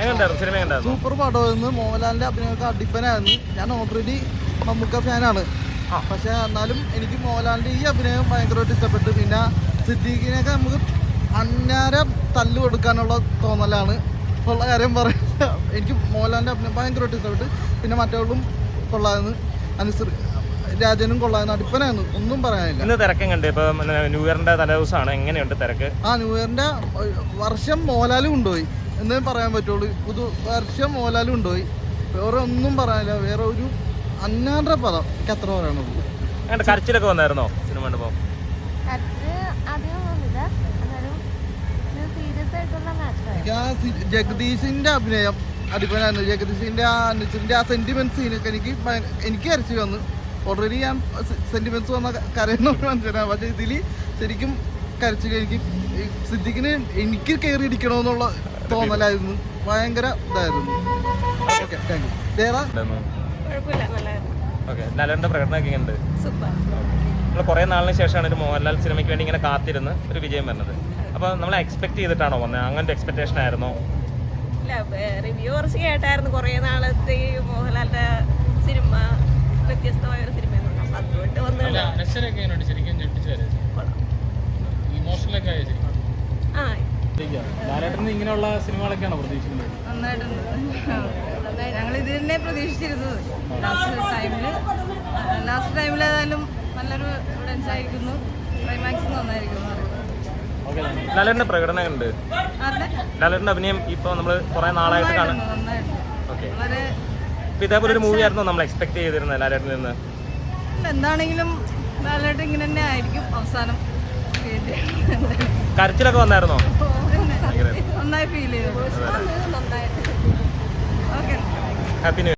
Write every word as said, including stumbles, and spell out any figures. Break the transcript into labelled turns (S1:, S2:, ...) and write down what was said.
S1: Super പടമായിരുന്നു. മോഹൻലാലിന്റെ അഭിനയമൊക്കെ അടിപ്പനായിരുന്നു. ഞാൻ ഓൾറെഡി മമ്മൂക്ക ഫാനാണ്. പക്ഷെ എന്നാലും എനിക്ക് മോഹൻലാലിന്റെ ഈ അഭിനയം ഭയങ്കരമായിട്ട് ഇഷ്ടപ്പെട്ടു. പിന്നെ സിദ്ദീഖിനെയൊക്കെ നമുക്ക് അന്നേരം തല്ലു കൊടുക്കാനുള്ള തോന്നലാണ് ഉള്ള കാര്യം പറയുന്നത്. എനിക്ക് മോഹൻലാലിന്റെ അഭിനയം ഭയങ്കരമായിട്ട് ഇഷ്ടപ്പെട്ടു. പിന്നെ മറ്റവളും കൊള്ളായിരുന്നു, അനുസരി രാജനും കൊള്ളായിരുന്നു, അടിപ്പനായിരുന്നു, ഒന്നും പറയാനില്ല.
S2: ഇന്ന് തിരക്കും കണ്ട് ഇപ്പൊ ന്യൂ ഇയറിന്റെ തലേദിവസമാണ്, എങ്ങനെയുണ്ട് തിരക്ക്?
S1: ആ ന്യൂ ഇയറിന്റെ വർഷം മോഹൻലാൽ കൊണ്ടുപോയി എന്നേ പറയാൻ പറ്റുള്ളൂ. പുതു വർഷം മോഹൻലാൽ കൊണ്ടുപോയി, വേറെ ഒന്നും പറയാനില്ല. വേറെ ഒരു അന്നാന്റെ പദം എനിക്ക് അത്ര പറയാനുള്ളൂ.
S2: കരച്ചിലൊക്കെ വന്നായിരുന്നോ സിനിമ കണ്ടപ്പോ?
S1: എനിക്ക് ആ ജഗദീഷിന്റെ അഭിനയം അടിപ്പനായിരുന്നു. ജഗദീഷിന്റെ ആ അനുസരിന്റെ ആ സെന്റിമെന്റ് സീനൊക്കെ എനിക്ക് എനിക്ക് കരച്ചു വന്നു. ഓൾറെഡി ഞാൻ സെന്റിമെന്റ്സ് വന്ന കരയുന്ന മനസ്സിലാണ്. പക്ഷെ ഇതിൽ ശരിക്കും കരച്ചിൽ എനിക്ക് സിദ്ദിഖിന് എനിക്ക് കയറി ഇടിക്കണമെന്നുള്ള തോന്നലായിരുന്നു. ഭയങ്കര ഇതായിരുന്നു. Okay, thank you. വേറെ
S2: ലാലേട്ടന്റെ പ്രകടനമൊക്കെ ഉണ്ട്. നമ്മൾ കുറെ നാളിന് ശേഷമാണ് ഒരു മോഹൻലാൽ സിനിമയ്ക്ക് വേണ്ടി ഇങ്ങനെ കാത്തിരുന്ന് ഒരു വിജയം വരുന്നത്. അപ്പൊ നമ്മൾ എക്സ്പെക്ട് ചെയ്തിട്ടാണോ വന്നത്? അങ്ങനത്തെ എക്സ്പെക്ടേഷൻ ആയിരുന്നോ?
S3: റിവ്യൂ കുറച്ച് കേട്ടായിരുന്നു. കുറെ നാളത്തെ മോഹൻലാലിന്റെ സിനിമ വ്യത്യസ്തമായ ഒരു സിനിമ അതുകൊണ്ട് വന്നിട്ട്
S4: ഇങ്ങനെയുള്ള സിനിമകളൊക്കെയാണോ പ്രതീക്ഷിക്കുന്നത്?
S3: ഞങ്ങൾ ഇത് തന്നെ പ്രതീക്ഷിച്ചിരുന്നത്. ലാസ്റ്റ് ടൈമില് ലാസ്റ്റ് ടൈമിൽ ഏതായാലും നല്ലൊരു എവിഡൻസ് ആയിരിക്കുന്നു. ക്ലൈമാക്സ് നന്നായിരിക്കുന്നു.
S2: ലാലേട്ടന്റെ പ്രകടനം ഉണ്ട്. ലാലേട്ടന്റെ അഭിനയം ഇപ്പൊ നമ്മള് കുറെ നാളായിട്ട് കാണാം. ഓക്കെ, ഇതേപോലെ ഒരു മൂവി ആയിരുന്നു നമ്മൾ എക്സ്പെക്ട് ചെയ്തിരുന്നത് ലാലേട്ടനിൽ നിന്ന്?
S3: എന്താണെങ്കിലും ലാലേട്ടൻ ഇങ്ങനെ തന്നെ ആയിരിക്കും അവസാനം.
S2: കരച്ചിലൊക്കെ വന്നായിരുന്നോ?
S3: നന്നായി ഫീൽ ചെയ്തു.
S2: Happy new year.